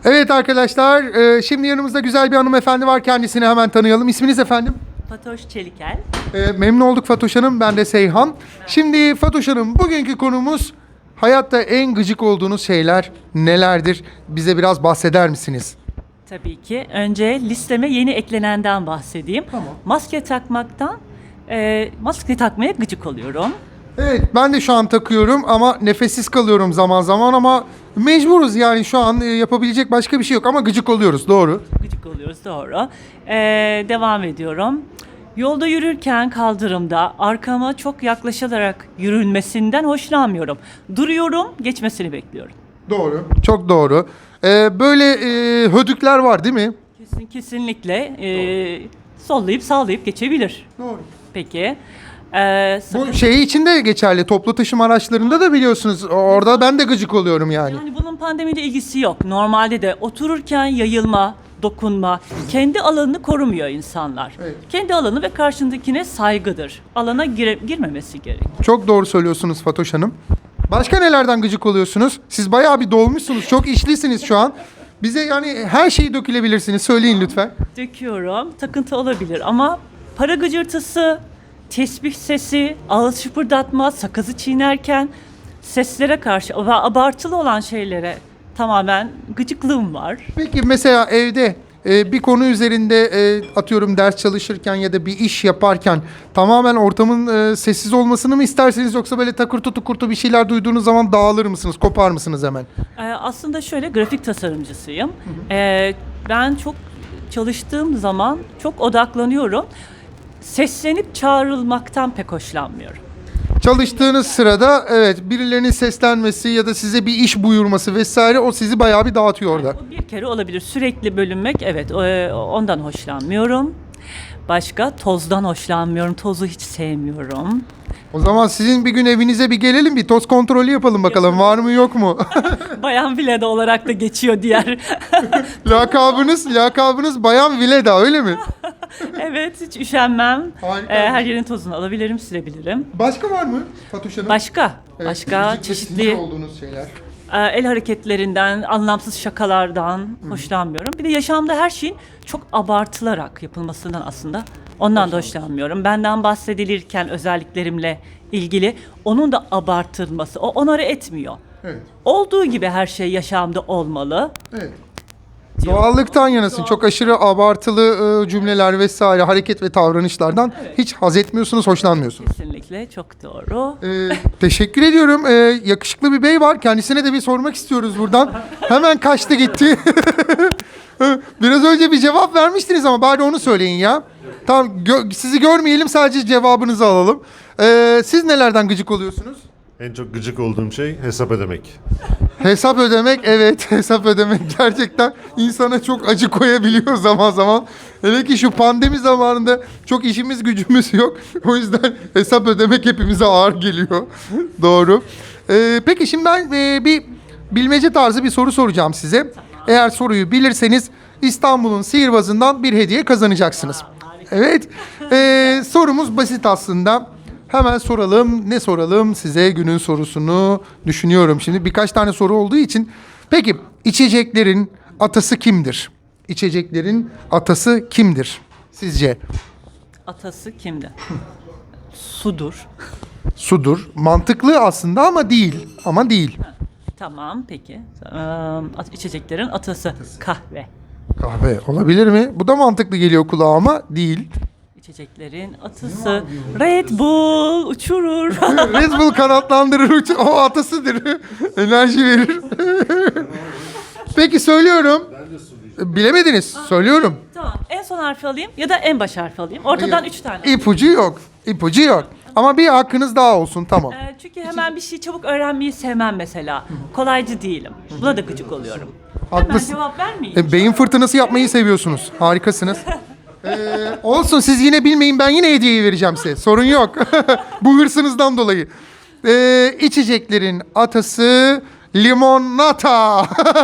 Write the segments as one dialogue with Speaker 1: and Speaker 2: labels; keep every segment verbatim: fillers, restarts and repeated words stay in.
Speaker 1: Evet arkadaşlar, e, şimdi yanımızda güzel bir hanımefendi var. Kendisini hemen tanıyalım. İsminiz efendim?
Speaker 2: Fatoş Çelikel.
Speaker 1: E, memnun olduk Fatoş Hanım. Ben de Seyhan. Şimdi Fatoş Hanım, bugünkü konumuz hayatta en gıcık olduğunuz şeyler nelerdir? Bize biraz bahseder misiniz?
Speaker 2: Tabii ki. Önce listeme yeni eklenenden bahsedeyim.
Speaker 1: Tamam.
Speaker 2: Maske takmaktan, e, maske takmaya gıcık oluyorum.
Speaker 1: Evet, ben de şu an takıyorum ama nefessiz kalıyorum zaman zaman ama mecburuz yani şu an e, yapabilecek başka bir şey yok ama gıcık oluyoruz, doğru.
Speaker 2: Gıcık oluyoruz, doğru. E, devam ediyorum. Yolda yürürken kaldırımda arkama çok yaklaşılarak yürünmesinden hoşlanmıyorum. Duruyorum, geçmesini bekliyorum.
Speaker 1: Doğru. Çok doğru. E, böyle e, hödükler var değil mi?
Speaker 2: Kesin, kesinlikle e, sollayıp sağlayıp geçebilir.
Speaker 1: Doğru.
Speaker 2: Peki. E,
Speaker 1: Bu şey için de geçerli. Toplu taşıma araçlarında da biliyorsunuz. Orada ben de gıcık oluyorum yani.
Speaker 2: Yani bunun pandemiyle ilgisi yok. Normalde de otururken yayılma, dokunma, kendi alanını korumuyor insanlar.
Speaker 1: Evet.
Speaker 2: Kendi alanı ve karşındakine saygıdır. Alana gire- girmemesi gerek.
Speaker 1: Çok doğru söylüyorsunuz Fatoş Hanım. Başka nelerden gıcık oluyorsunuz? Siz bayağı bir dolmuşsunuz. Çok işlisiniz şu an. Bize yani her şeyi dökülebilirsiniz. Söyleyin lütfen.
Speaker 2: Döküyorum, takıntı olabilir ama para gıcırtısı, tesbih sesi, ağız şıpırdatma, sakızı çiğnerken seslere karşı ve abartılı olan şeylere tamamen gıcıklığım var.
Speaker 1: Peki mesela evde e, bir konu üzerinde e, atıyorum ders çalışırken ya da bir iş yaparken tamamen ortamın e, sessiz olmasını mı istersiniz yoksa böyle takırtı tukurtu bir şeyler duyduğunuz zaman dağılır mısınız, kopar mısınız hemen?
Speaker 2: Ee, aslında şöyle grafik tasarımcısıyım. Ee, ben çok çalıştığım zaman çok odaklanıyorum. Seslenip çağrılmaktan pek hoşlanmıyorum.
Speaker 1: Çalıştığınız sırada evet birilerinin seslenmesi ya da size bir iş buyurması vesaire o sizi bayağı bir dağıtıyor orada.
Speaker 2: Bu bir kere olabilir. Sürekli bölünmek, evet, e, ondan hoşlanmıyorum. Başka tozdan hoşlanmıyorum. Tozu hiç sevmiyorum.
Speaker 1: O zaman sizin bir gün evinize bir gelelim bir toz kontrolü yapalım bakalım var mı yok mu?
Speaker 2: Bayan Vileda olarak da geçiyor diğer.
Speaker 1: lakabınız lakabınız Bayan Vileda öyle mi?
Speaker 2: Evet, hiç üşenmem.
Speaker 1: Harika.
Speaker 2: Ee, her yerin tozunu alabilirim, silebilirim.
Speaker 1: Başka var mı Fatoş Hanım?
Speaker 2: Başka,
Speaker 1: Evet,
Speaker 2: başka
Speaker 1: gıcık ve sinir
Speaker 2: çeşitli
Speaker 1: olduğunuz şeyler.
Speaker 2: e, el hareketlerinden, anlamsız şakalardan hoşlanmıyorum. Bir de yaşamda her şeyin çok abartılarak yapılmasından aslında ondan da hoşlanmıyorum. Benden bahsedilirken özelliklerimle ilgili onun da abartılması, o onarı etmiyor.
Speaker 1: Evet.
Speaker 2: Olduğu gibi her şey yaşamda olmalı.
Speaker 1: Evet.
Speaker 2: diyor.
Speaker 1: Doğallıktan yanasın.
Speaker 2: Doğal.
Speaker 1: Çok aşırı abartılı e, cümleler vesaire hareket ve davranışlardan
Speaker 2: Evet.
Speaker 1: hiç haz etmiyorsunuz, hoşlanmıyorsunuz.
Speaker 2: Kesinlikle çok doğru.
Speaker 1: Ee, teşekkür ediyorum. Ee, yakışıklı bir bey var. Kendisine de bir sormak istiyoruz buradan. Hemen kaçtı gitti. Biraz önce bir cevap vermiştiniz ama bari onu söyleyin ya. Tamam gö- sizi görmeyelim sadece cevabınızı alalım. Ee, siz nelerden gıcık oluyorsunuz?
Speaker 3: En çok gıcık olduğum şey hesap ödemek.
Speaker 1: Hesap ödemek evet hesap ödemek gerçekten insana çok acı koyabiliyor zaman zaman. Hele ki şu pandemi zamanında çok işimiz gücümüz yok. O yüzden hesap ödemek hepimize ağır geliyor. Doğru. Ee, peki şimdi ben e, bir bilmece tarzı bir soru soracağım size. Eğer soruyu bilirseniz İstanbul'un sihirbazından bir hediye kazanacaksınız. Evet. Ee, sorumuz basit aslında. Hemen soralım. Ne soralım size günün sorusunu düşünüyorum. Şimdi birkaç tane soru olduğu için. Peki içeceklerin atası kimdir? İçeceklerin atası kimdir sizce?
Speaker 2: Atası kimdi? Sudur.
Speaker 1: Sudur. Mantıklı aslında ama değil. Ama değil.
Speaker 2: Tamam, peki. Ee, at- içeceklerin atası kahve.
Speaker 1: Kahve olabilir mi? Bu da mantıklı geliyor kulağa ama değil.
Speaker 2: İçeceklerin atısı Red Bull uçurur.
Speaker 1: Red Bull kanatlandırır. uç- O atasıdır. Enerji verir. Peki söylüyorum. Bilemediniz. Söylüyorum.
Speaker 2: Tamam. En son harfi alayım ya da en baş harfi alayım. Ortadan üç tane.
Speaker 1: İpucu yok. İpucu yok. Ama bir hakkınız daha olsun tamam.
Speaker 2: Ee, çünkü hemen bir şeyi çabuk öğrenmeyi sevmem mesela. Kolaycı değilim. Buna da gıcık oluyorum. Hemen
Speaker 1: Haklısın.
Speaker 2: cevap vermeyeyim.
Speaker 1: E, beyin fırtınası yapmayı seviyorsunuz. Harikasınız. Ee, olsun siz yine bilmeyin ben yine hediyeyi vereceğim size. Sorun yok. Bu hırsınızdan dolayı. Ee, içeceklerin atası limonata.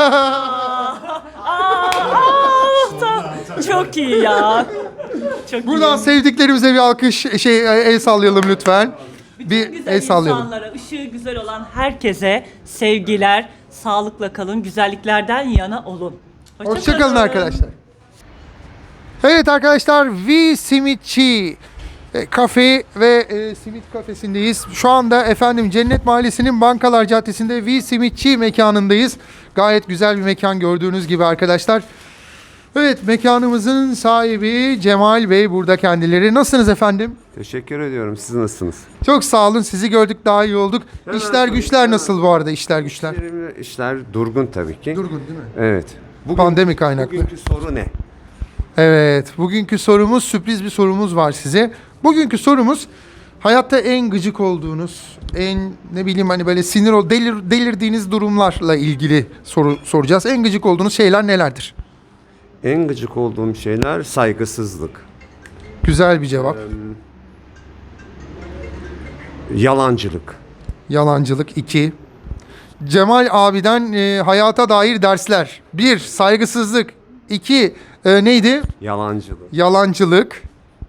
Speaker 2: Çok iyi ya. Çok
Speaker 1: Buradan
Speaker 2: iyi.
Speaker 1: sevdiklerimize bir alkış şey el sallayalım lütfen.
Speaker 2: Bütün
Speaker 1: bir
Speaker 2: güzel
Speaker 1: el sallayalım.
Speaker 2: insanlara, ışığı güzel olan herkese sevgiler, sağlıkla kalın, güzelliklerden yana olun. Hoşça
Speaker 1: Hoşçakalın
Speaker 2: kalın.
Speaker 1: arkadaşlar. Evet arkadaşlar, V Simitçi e, kafe ve e, simit kafesindeyiz. Şu anda efendim Cennet Mahallesi'nin Bankalar Caddesi'nde V Simitçi mekanındayız. Gayet güzel bir mekan gördüğünüz gibi arkadaşlar. Evet, mekanımızın sahibi Cemal Bey burada kendileri. Nasılsınız efendim?
Speaker 4: Teşekkür ediyorum. Siz nasılsınız?
Speaker 1: Çok sağ olun. Sizi gördük, daha iyi olduk.
Speaker 4: Hemen
Speaker 1: İşler
Speaker 4: sorayım,
Speaker 1: güçler
Speaker 4: hemen.
Speaker 1: nasıl bu arada, işler güçler?
Speaker 4: İşlerimle- İşler durgun tabii ki.
Speaker 1: Durgun değil mi?
Speaker 4: Evet. Bugün,
Speaker 1: Pandemi kaynaklı.
Speaker 4: Bugünkü soru ne?
Speaker 1: Evet, bugünkü sorumuz, sürpriz bir sorumuz var size. Bugünkü sorumuz, hayatta en gıcık olduğunuz, en ne bileyim hani böyle sinir ol, delir, delirdiğiniz durumlarla ilgili soru soracağız. En gıcık olduğunuz şeyler nelerdir?
Speaker 4: En gıcık olduğum şeyler saygısızlık,
Speaker 1: Güzel bir cevap.
Speaker 4: yalancılık,
Speaker 1: Yalancılık. iki. Cemal abiden e, hayata dair dersler. bir. Saygısızlık. iki. E, neydi?
Speaker 4: yalancılık.
Speaker 1: Yalancılık.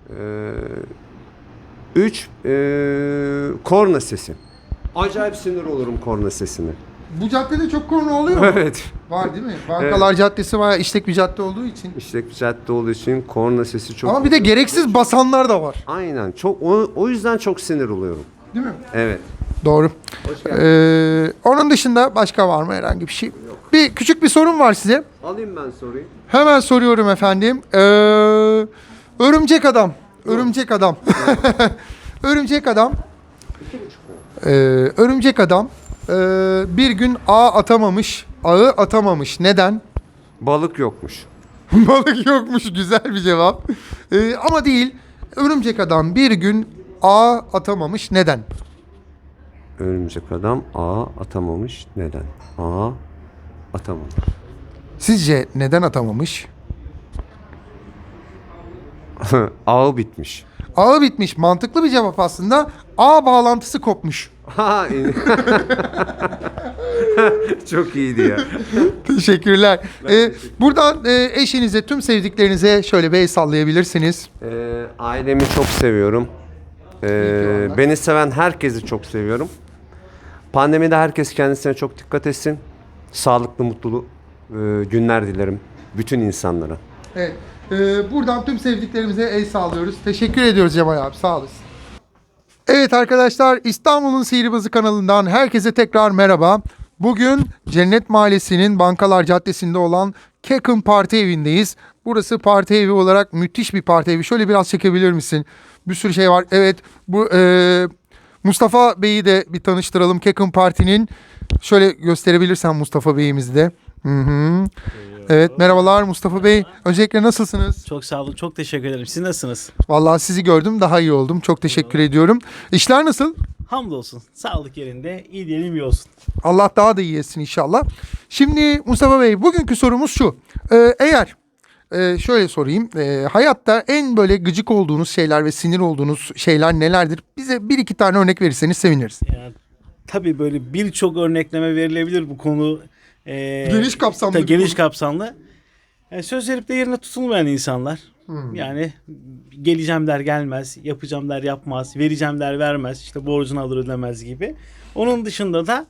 Speaker 4: Üç, ee, korna sesi. Acayip sinir olurum korna sesine.
Speaker 1: Bu caddede çok konu oluyor mu?
Speaker 4: Evet.
Speaker 1: Var değil mi? Bankalar Caddesi bayağı işlek bir cadde olduğu için.
Speaker 4: İşte bir cadde olduğu için korna sesi çok...
Speaker 1: Ama bir de gereksiz basanlar da var.
Speaker 4: Aynen. Çok, o, o yüzden çok sinir oluyorum.
Speaker 1: Değil mi?
Speaker 4: Evet.
Speaker 1: Doğru. Ee, onun dışında başka var mı herhangi bir şey? Bir küçük bir sorum var size.
Speaker 4: Alayım ben soruyu.
Speaker 1: Hemen soruyorum efendim. Ee, örümcek adam. Örümcek adam. Örümcek adam. Ee, örümcek adam ee, bir gün ağ atamamış. Ağı atamamış. Neden?
Speaker 4: Balık yokmuş.
Speaker 1: Balık yokmuş. Güzel bir cevap. Ee, ama değil. Örümcek adam bir gün ağ atamamış. Neden?
Speaker 4: Örümcek adam ağa atamamış. Neden? Ağa atamamış.
Speaker 1: Sizce neden atamamış?
Speaker 4: Ağı bitmiş.
Speaker 1: Ağı bitmiş. Mantıklı bir cevap aslında. Ağ bağlantısı kopmuş.
Speaker 4: Ha, iyi. Çok iyiydi ya.
Speaker 1: Teşekkürler. Ee, buradan e, eşinize, tüm sevdiklerinize şöyle bir el sallayabilirsiniz.
Speaker 4: Ee, ailemi çok seviyorum. Ee, beni seven herkesi çok seviyorum. Pandemide herkes kendisine çok dikkat etsin. Sağlıklı, mutlu e, günler dilerim bütün insanlara.
Speaker 1: Evet. Ee, buradan tüm sevdiklerimize el sallıyoruz. Teşekkür ediyoruz Cemal abi. Sağ olasın. Evet arkadaşlar, İstanbul'un Sihirbazı kanalından herkese tekrar merhaba. Bugün Cennet Mahallesi'nin Bankalar Caddesi'nde olan Kekin Parti Evi'ndeyiz. Burası parti evi olarak müthiş bir parti evi. Şöyle biraz çekebilir misin? Bir sürü şey var. Evet, bu e, Mustafa Bey'i de bir tanıştıralım. Kekin Parti'nin. Şöyle gösterebilirsen Mustafa Bey'imizi de. Hı hı. Evet, merhabalar Mustafa Bey. Öncelikle nasılsınız?
Speaker 5: Çok sağ olun. Çok teşekkür ederim. Siz nasılsınız?
Speaker 1: Vallahi sizi gördüm, daha iyi oldum. Çok teşekkür ediyorum. İşler nasıl?
Speaker 5: Hamdolsun. Sağlık yerinde. İyi diyelim iyi olsun.
Speaker 1: Allah daha da iyi etsin inşallah. Şimdi Mustafa Bey, bugünkü sorumuz şu. Ee, eğer e, şöyle sorayım. E, hayatta en böyle gıcık olduğunuz şeyler ve sinir olduğunuz şeyler nelerdir? Bize bir iki tane örnek verirseniz seviniriz.
Speaker 5: Yani, tabii böyle birçok örnekleme verilebilir bu konu. Ee,
Speaker 1: Geniş kapsamlı
Speaker 5: tabii
Speaker 1: bir
Speaker 5: Geniş
Speaker 1: konu.
Speaker 5: kapsamlı. Yani söz verip de yerine tutulmayan insanlar.
Speaker 1: Hmm.
Speaker 5: Yani geleceğim der gelmez, yapacağım der yapmaz, vereceğim der vermez, işte borcunu alır ödemez gibi. Onun dışında da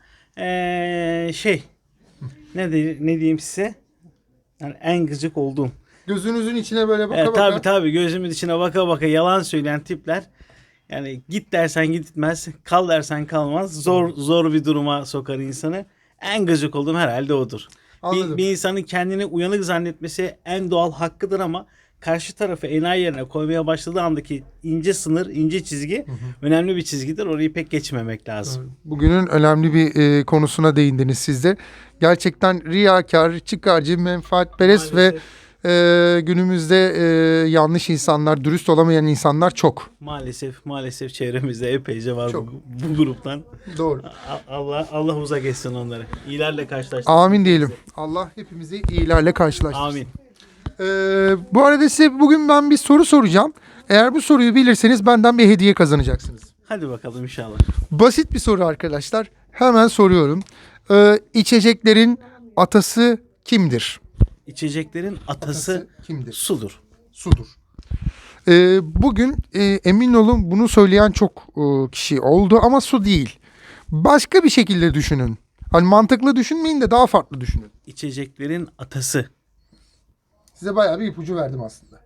Speaker 5: ee, şey ne, de, ne diyeyim size, yani en gıcık olduğum.
Speaker 1: Gözünüzün içine böyle baka
Speaker 5: Evet,
Speaker 1: baka.
Speaker 5: tabii tabii gözümün içine baka baka yalan söyleyen tipler. Yani git dersen gitmez, kal dersen kalmaz. Zor zor bir duruma sokar insanı. En gıcık olduğum herhalde odur.
Speaker 1: Anladım.
Speaker 5: Bir, bir insanın kendini uyanık zannetmesi en doğal hakkıdır ama karşı tarafı enayi yerine koymaya başladığı andaki ince sınır, ince çizgi önemli bir çizgidir. Orayı pek geçmemek lazım.
Speaker 1: Bugünün önemli bir e, konusuna değindiniz siz de. Gerçekten riyakar, çıkarcı, menfaatperest ve
Speaker 5: Maalesef.
Speaker 1: e, günümüzde e, yanlış insanlar, dürüst olamayan insanlar çok.
Speaker 5: Maalesef maalesef çevremizde epeyce var
Speaker 1: Çok.
Speaker 5: bu, bu gruptan.
Speaker 1: Doğru.
Speaker 5: A- Allah Allah uzak etsin onları. İyilerle karşılaştırsın.
Speaker 1: Amin diyelim. Allah hepimizi iyilerle karşılaştırsın.
Speaker 5: Amin.
Speaker 1: Ee, bu arada size bugün ben bir soru soracağım. Eğer bu soruyu bilirseniz benden bir hediye kazanacaksınız.
Speaker 5: Hadi bakalım inşallah.
Speaker 1: Basit bir soru arkadaşlar. Hemen soruyorum. Ee, içeceklerin atası kimdir?
Speaker 5: İçeceklerin atası,
Speaker 1: Atası kimdir?
Speaker 5: sudur.
Speaker 1: Sudur. Ee, bugün e, emin olun bunu söyleyen çok e, kişi oldu ama su değil. Başka bir şekilde düşünün. Hani mantıklı düşünmeyin de daha farklı düşünün.
Speaker 5: İçeceklerin atası.
Speaker 1: Size bayağı bir ipucu verdim aslında.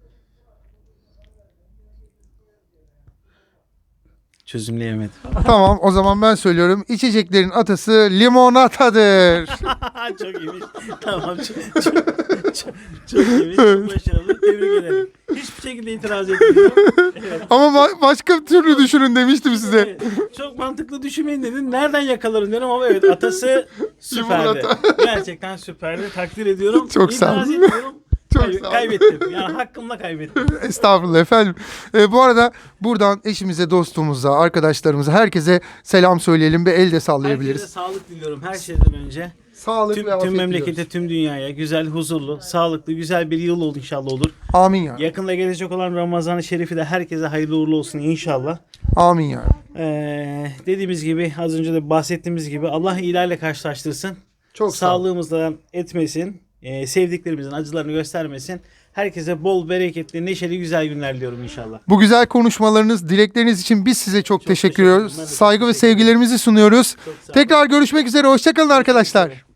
Speaker 5: Çözümleyemedim.
Speaker 1: Tamam, o zaman ben söylüyorum. İçeceklerin atası limonatadır.
Speaker 5: Çok iyiymiş. Tamam. Çok, çok, çok, çok iyiymiş. Çok başarılı. Tebrik ederim. Hiçbir şekilde itiraz etmiyorum. Evet.
Speaker 1: Ama ba- başka türlü düşünün demiştim size.
Speaker 5: Evet, çok mantıklı düşünmeyin dedin. Nereden yakalarım diyorum ama evet atası süperdi.
Speaker 1: Limonata.
Speaker 5: Gerçekten süperdi. Takdir ediyorum.
Speaker 1: Çok sağ
Speaker 5: İtiraz
Speaker 1: olun.
Speaker 5: etmiyorum.
Speaker 1: Çok
Speaker 5: Kay-
Speaker 1: sağ olun.
Speaker 5: kaybettim. Yani hakkımla kaybettim.
Speaker 1: Estağfurullah efendim. Ee, bu arada buradan eşimize, dostumuza, arkadaşlarımıza, herkese selam söyleyelim ve el de sallayabiliriz.
Speaker 5: Herkese sağlık diliyorum her şeyden önce.
Speaker 1: Sağlık
Speaker 5: Tüm,
Speaker 1: ve afiyet
Speaker 5: tüm memlekete,
Speaker 1: diliyoruz.
Speaker 5: tüm dünyaya güzel, huzurlu, sağlıklı, güzel bir yıl oldu inşallah olur.
Speaker 1: Amin ya.
Speaker 5: Yakında gelecek olan Ramazan-ı Şerif'i de herkese hayırlı uğurlu olsun inşallah.
Speaker 1: Amin ya.
Speaker 5: Ee, dediğimiz gibi az önce de bahsettiğimiz gibi Allah iyilerle karşılaştırsın.
Speaker 1: Çok sağ olun.
Speaker 5: Sağlığımızdan etmesin. e, sevdiklerimizin acılarını göstermesin. Herkese bol, bereketli, neşeli, güzel günler diliyorum inşallah.
Speaker 1: Bu güzel konuşmalarınız, dilekleriniz için biz size çok, teşekkür
Speaker 5: teşekkür
Speaker 1: ediyoruz.
Speaker 5: ederim. Ben de çok
Speaker 1: Saygı ve
Speaker 5: teşekkür ederim.
Speaker 1: sevgilerimizi sunuyoruz.
Speaker 5: Çok sağ olun.
Speaker 1: Tekrar görüşmek üzere. Hoşçakalın arkadaşlar.